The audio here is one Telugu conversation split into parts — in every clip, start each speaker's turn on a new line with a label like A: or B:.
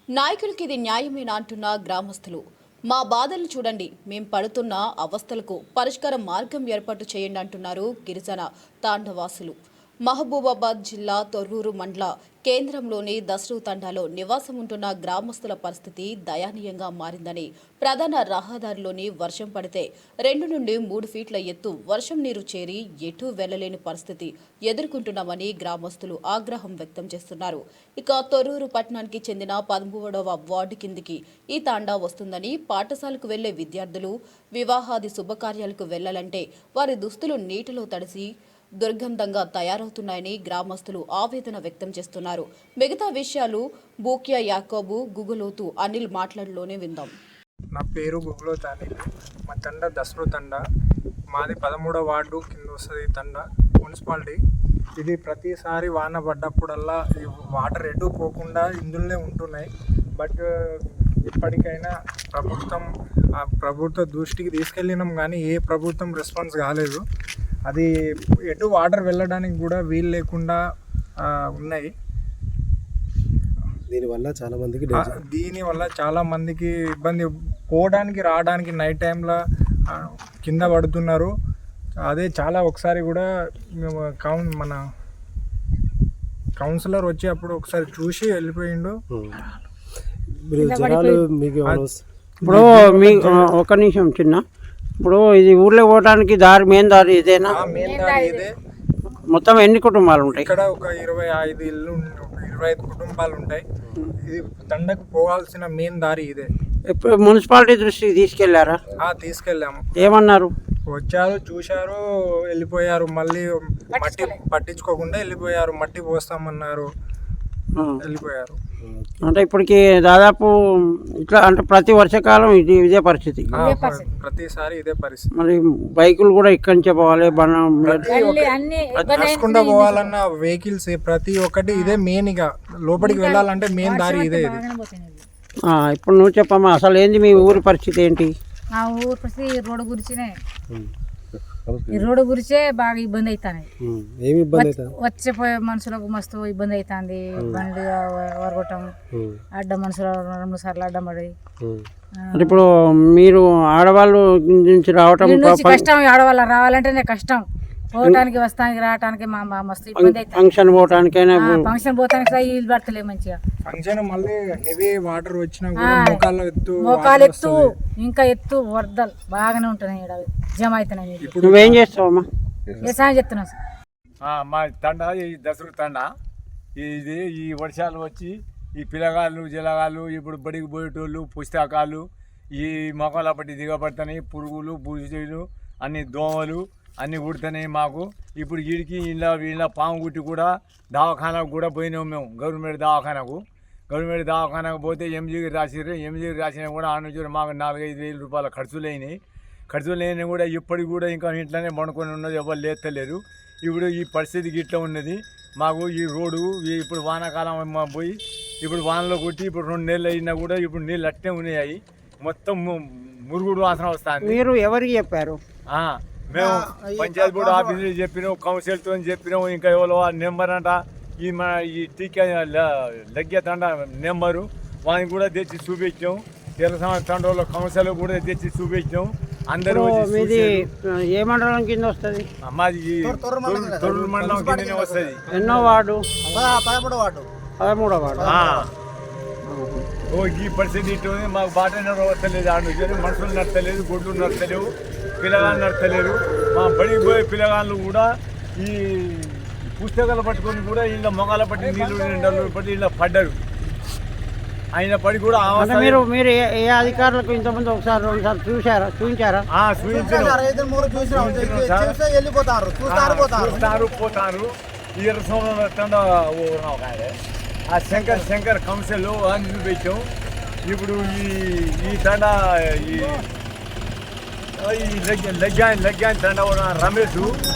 A: నాయకులకి ఇది న్యాయమేనా అంటున్న గ్రామస్తులు. మా బాధలు చూడండి, మేం పడుతున్న అవస్థలకు పరిష్కార మార్గం ఏర్పాటు చేయండి అంటున్నారు గిరిజన తాండవాసులు. మహబూబాబాద్ జిల్లా తొర్రూరు మండల కేంద్రంలోని దసరు తండాలో నివాసం ఉంటున్న గ్రామస్తుల పరిస్థితి దయనీయంగా మారిందని, ప్రధాన రహదారిలోని వర్షం పడితే 2 నుండి 3 ఫీట్ల ఎత్తు వర్షం నీరు చేరి ఎటూ వెళ్లలేని పరిస్థితి ఎదుర్కొంటున్నామని గ్రామస్తులు ఆగ్రహం వ్యక్తం చేస్తున్నారు. ఇక తొర్రూరు పట్టణానికి చెందిన 13వ వార్డు కిందికి ఈ తాండా వస్తుందని, పాఠశాలకు వెళ్లే విద్యార్థులు వివాహాది శుభకార్యాలకు వెళ్లాలంటే వారి దుస్తులు నీటిలో తడిసి దుర్గంధంగా తయారవుతున్నాయని గ్రామస్తులు ఆవేదన వ్యక్తం చేస్తున్నారు. మిగతా విషయాలు బూక్యా యాకోబు, గుగులోతు అనిల్ మాట్లాడలోనే విందాం.
B: నా పేరు గుగులోతు అనిల్. మా తండ దసరు తండ. మాది 13వ వార్డు కింద వస్తుంది తండ, మున్సిపాలిటీ. ఇది ప్రతిసారి వాన పడ్డప్పుడల్లా ఈ వాటర్ ఎటు పోకుండా ఇందులోనే ఉంటున్నాయి. బట్ ఇప్పటికైనా ప్రభుత్వ దృష్టికి తీసుకెళ్ళినాం కానీ ఏ ప్రభుత్వం రెస్పాన్స్ కాలేదు. అది ఎటు వాటర్ వెళ్ళడానికి కూడా వీలు లేకుండా ఉన్నాయి.
C: దీనివల్ల
B: చాలా మందికి ఇబ్బంది, పోవడానికి రావడానికి నైట్ టైంలో కింద పడుతున్నారు. అదే ఒకసారి కూడా మేము మన కౌన్సిలర్ వచ్చి అప్పుడు ఒకసారి చూసి వెళ్ళిపోయిండు.
D: ఇప్పుడు మీ ఒక నిమిషం చిన్న, ఇప్పుడు ఇది ఊర్లో పోవడానికి దారి మెయిన్ దారి ఇదేనా?
B: ఇదే.
D: మొత్తం ఎన్ని కుటుంబాలు ఉంటాయి
B: ఇక్కడ? ఒక 25 ఇల్లు, 25 కుటుంబాలు ఉంటాయి. ఇది తండకు పోవాల్సిన మెయిన్ దారి ఇదే.
D: ఇప్పుడు మున్సిపాలిటీ దృష్టికి తీసుకెళ్లారా?
B: తీసుకెళ్ళాము.
D: ఏమన్నారు?
B: వచ్చారు, చూశారు, వెళ్ళిపోయారు. మళ్ళీ మట్టి పట్టించుకోకుండా వెళ్ళిపోయారు. మట్టి పోస్తామన్నారు, వెళ్ళిపోయారు.
D: అంటే ఇప్పటికి దాదాపు ఇట్లా అంటే ప్రతి వర్షాకాలం ఇదే పరిస్థితి,
B: ప్రతిసారి ఇదే పరిస్థితి.
D: మరి బైకులు కూడా ఇక్కడి నుంచే పోవాలి,
B: నడుచుకుంటూ పోవాలన్న వెహికల్స్ ప్రతి ఒక్కటి ఇదే మెయిన్. ఇక లోపలికి వెళ్ళాలంటే మెయిన్ దారి ఇదే.
D: ఇప్పుడు నువ్వు చెప్పమ్మా, అసలు ఏంది మీ ఊరి పరిస్థితి ఏంటి?
E: మా ఊరి పరిస్థితి రోడ్డు గురించినే, ఈ రోడ్డు గురించే బాగా ఇబ్బంది అవుతాయి. వచ్చేపోయే మనుషులకు మస్తు ఇబ్బంది అవుతుంది. బండి వరగొట్టం, అడ్డం మనుషులు 2 సార్లు అడ్డం పడి.
D: ఇప్పుడు మీరు ఆడవాళ్ళు నుంచి రావటం
E: కష్టం, ఆడవాళ్ళు రావాలంటేనే కష్టం. పోవటానికి వస్తానికి రావటానికి మా మస్తు ఇబ్బంది అవుతుంది.
D: ఫంక్షన్ పోవటానికైనా,
E: ఫంక్షన్ పోతానికి ఇల్లు పడతలే మంచిగా.
B: ఫంక్షన్ మళ్ళీ హెవీ వాటర్ వచ్చినా
E: మోకాలు ఎత్తు, ఇంకా ఎత్తు వరదలు బాగానే ఉంటున్నాయి, జమ అవుతున్నాయి.
D: నువ్వేం చేస్తావమ్మా?
E: వ్యవసాయం చెప్తున్నా సార్.
F: మా తండ ఈ దసరు తండ. ఇది ఈ వర్షాలు వచ్చి ఈ పిల్లగాళ్ళు జలగాళ్ళు ఇప్పుడు బడికి పోయేటోళ్ళు, పుస్తకాలు ఈ మొక్కల పట్టి దిగబడుతున్నాయి. పురుగులు, బుజులు, అన్ని దోమలు అన్నీ కుడుతున్నాయి మాకు. ఇప్పుడు వీడికి వీళ్ళ పాము గుట్టి కూడా దవాఖానకు కూడా పోయినాం మేము. గవర్నమెంట్ దవాఖానకు పోతే ఎంజీకి రాసిర్రు. ఎంజీకి రాసినా కూడా ఆ నుంచి మాకు 4-5 వేల రూపాయల ఖర్చులు కూడా ఇప్పటికి కూడా ఇంకా ఇంట్లోనే పండుకొని ఉన్నది, ఎవరు లేస్తలేరు. ఇప్పుడు ఈ పరిస్థితికి ఇట్లా ఉన్నది మాకు. ఈ రోడ్డు ఇప్పుడు వానాకాలం పోయి ఇప్పుడు వానలో కొట్టి ఇప్పుడు 2 నెలలు అయినా కూడా ఇప్పుడు నీళ్ళు అట్టే ఉన్నాయి. మొత్తం మురుగుడు వాసన వస్తుంది.
D: మీరు ఎవరికి చెప్పారు?
F: మేము పంచాయతీ బోర్డు ఆఫీసులో చెప్పినాం, కౌన్సిల్తో చెప్పినాం. ఇంకా ఎవరో నెంబర్ అంట, ఈ టీకా లగ్గేతండ నెంబరు వానికి కూడా తెచ్చి చూపించాం. తెలంగాణ తండ్రుల కౌన్సిల్ కూడా తెచ్చి చూపించాం. అందరూ
D: ఏ మండలం కింద వస్తుంది?
F: మాది తొర్రూరు మండలం కిందనే వస్తుంది.
D: ఎన్నో వార్డు?
C: 13వ వార్డు.
F: ఈ పరిస్థితి ఇటు మాకు బాట నడవలేదు. ఆడు మనుషులు నడతలేదు, గొడ్లు నడతలేవు, పిల్లగాళ్ళు నడతలేరు. మా బడికి పోయే పిల్లగాళ్ళు కూడా ఈ పుస్తకాలు పట్టుకొని కూడా వీళ్ళ మొగాల పట్టి నీళ్ళు పట్టి ఇలా పడ్డారు. ఆయన పడి కూడా
D: మీరు ఏ అధికారులకు ఇంతకుముందు ఒకసారి 2 సార్లు చూపించారా?
F: పోతారు. ఈ ఆ శంకర్ కౌన్సిల్ అని చూపించాం. ఇప్పుడు ఈ తండ లగ్గాన్ తండ రమేష్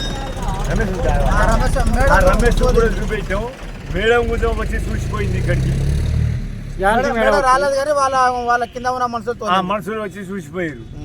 F: కూడా చూపించాం. మేడం కొంచెం వచ్చి చూసిపోయింది ఇక్కడికి.
C: రాలేదు కానీ వాళ్ళ కింద ఉన్న మనుషులు
F: వచ్చి చూసిపోయారు.